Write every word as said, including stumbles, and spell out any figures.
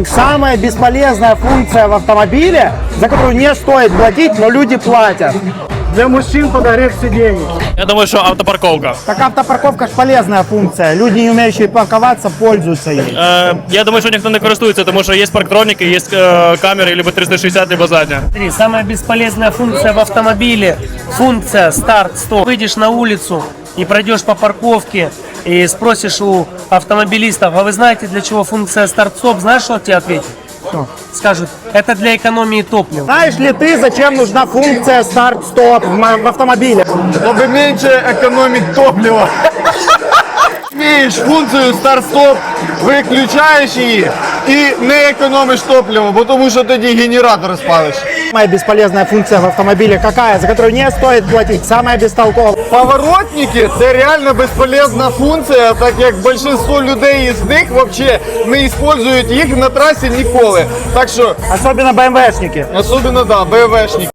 Самая бесполезная функция в автомобиле, за которую не стоит платить, но люди платят. Для мужчин подогрев сидений. Я думаю, что автопарковка. Так автопарковка ж полезная функция. Люди, не умеющие парковаться, пользуются ей. Э, я думаю, что никто не користуется, потому что есть парктроники, есть э, камеры, либо триста шестьдесят, либо задняя. Смотри, самая бесполезная функция в автомобиле – функция старт-стоп. Выйдешь на улицу и пройдешь по парковке и спросишь у автомобилистов, а вы знаете, для чего функция старт-стоп? Знаешь, что тебе ответят? Что? Скажут, это для экономии топлива. Знаешь ли ты, зачем нужна функция старт-стоп в, мо- в автомобиле? Чтобы меньше экономить топливо. Имеешь функцию старт-стоп, выключаешь її і не економиш топливо, бо тому що тоді генератор спалиш. Самая бесполезная функция в автомобиле какая, за которую не стоит платить? Самая бестолковая. Поворотники – це реально безполезна функція, так як більшість людей із них взагалі не використовують їх на трасі ніколи. Так що, Особенно бэ эм вэ-шники. особливо, да, БМВшники.